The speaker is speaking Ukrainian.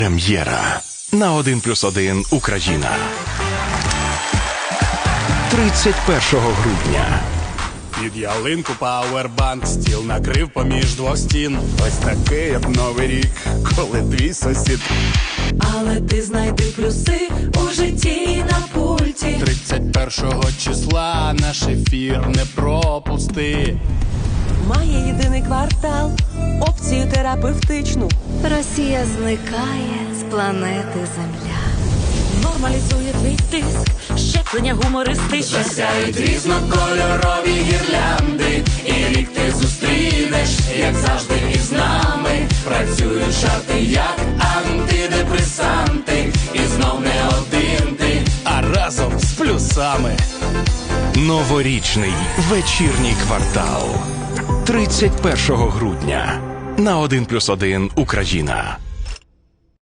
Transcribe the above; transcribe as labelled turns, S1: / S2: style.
S1: Прем'єра на 1+1 Україна. 31 грудня.
S2: Під ялинку пауербанк, стіл накрив поміж двох стін. Ось такий, як новий рік, коли твій сусід.
S3: Але ти знайди плюси у житті на пульті.
S2: 31 числа наш ефір не пропусти.
S3: Має єдиний квартал, опцію терапевтичну.
S4: Росія зникає з планети Земля.
S3: Нормалізує твій тиск, щеплення гумористичне.
S2: Засяють різнокольорові гірлянди, і рік ти зустрінеш, як завжди із нами. Працюють жарти, як антидепресанти, і знов не один ти, а разом з плюсами.
S1: Новорічний вечірній квартал. 31 грудня на 1+1 Україна.